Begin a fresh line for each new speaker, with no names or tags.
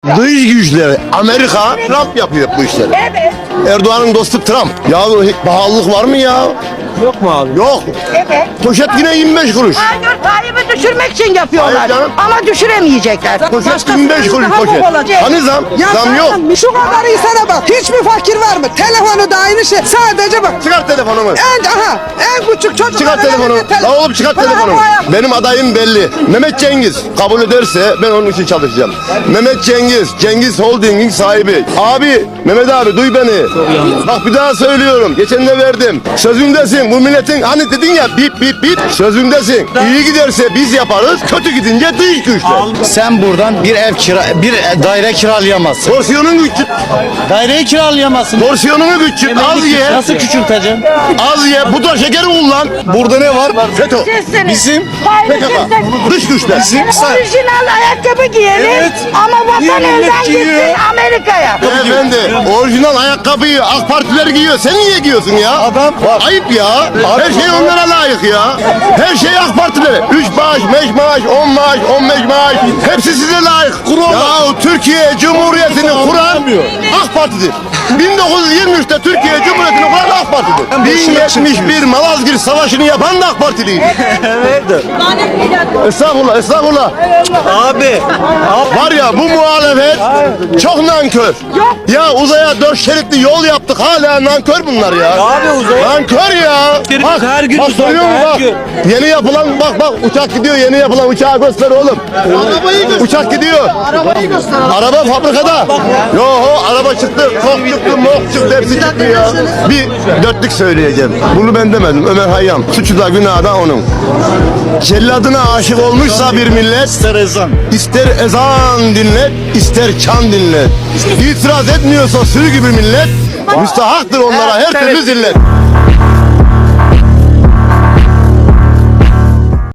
Dış güçleri Amerika, Trump yapıyor bu işleri.
Evet.
Erdoğan'ın dostu Trump. Ya pahalılık var mı ya?
Yok mu abi?
Yok.
Evet.
Poşet yine 25 kuruş.
Hayır, Tayyip'i düşürmek için yapıyorlar.
Hayır canım.
Ama düşüremeyecekler.
Poşet 25 kuruş poşet. Hani zam?
Ya
Zam yok.
zaten şu kadar insana bak. Hiçbir fakir var mı? Telefonu da aynı şey. Sadece bak.
Çıkart telefonumu.
En küçük çocuk.
Çıkart telefonu. La oğlum çıkart telefonumu. Benim adayım belli. Mehmet Cengiz. Kabul ederse ben onun için çalışacağım. Mehmet Cengiz. Cengiz Holding'in sahibi. Abi, Mehmet abi duy beni. Bak bir daha söylüyorum. Geçen de verdim. Sözündesin. Bu milletin hani dedin ya bip bip bip. Sözündesin. İyi giderse biz yaparız. Kötü gidince dış güçler.
Sen buradan bir daire kiralayamazsın.
Porsiyonun küçük.
Daireyi kiralayamazsın.
Porsiyonunu küçük. Az ye.
Nasıl küçülteceksin?
Az ye. Pudra şekeri kullan. Burada ne var? FETÖ.
Sizsiniz.
Bizim
Tayyip'i
PKK.
sizsiniz.
Dış güçler.
Orijinal ayakkabı giyelim.
Evet.
Ama vatan
Millet
elden
giyiyor.
gitsin Amerika'ya.
Efendi orijinal ayakkabıyı AK Partiler giyiyor. Sen niye giyiyorsun ya?
Adam bak.
Ayıp ya. Her şey onlara layık ya. Her şey AK Partilere. 3 maaş, 5 maaş, 10 maaş, 15 maaş. Hepsi size layık. Ya Türkiye Cumhuriyeti'ni kuran AK Parti'dir. 1923'te Türkiye Cumhuriyeti'ni kuran AK Parti'dir. 1071 Malazgirt Savaşı'nı yapan da AK Partiliydi. Estağfurullah, estağfurullah.
Abi.
Var ya bu muhalefet çok nankör. Ya uzaya 4 şeritli yol yaptık hala nankör bunlar ya.
Abi uzaya.
Nankör ya.
Şerit her gün
bak
uzayda,
görüyor musun
her
bak.
gün.
Yeni yapılan bak uçak gidiyor yeni yapılan uçağı göster oğlum. Uçak gidiyor. Araba fabrikada. Yo araba çıktı. Kok çıktı mok çıktı hepsi çıktı ya. Bir dörtlük söyleyeceğim. Bunu ben demedim Ömer Hayyam. Suçu da günahı da onun. Celladına aşık olmuşsa bir millet
İster ezan.
İster ezan dinlet, ister çan dinlet. İtiraz etmiyorsa sürü gibi millet, müstahaktır onlara her türlü zillet.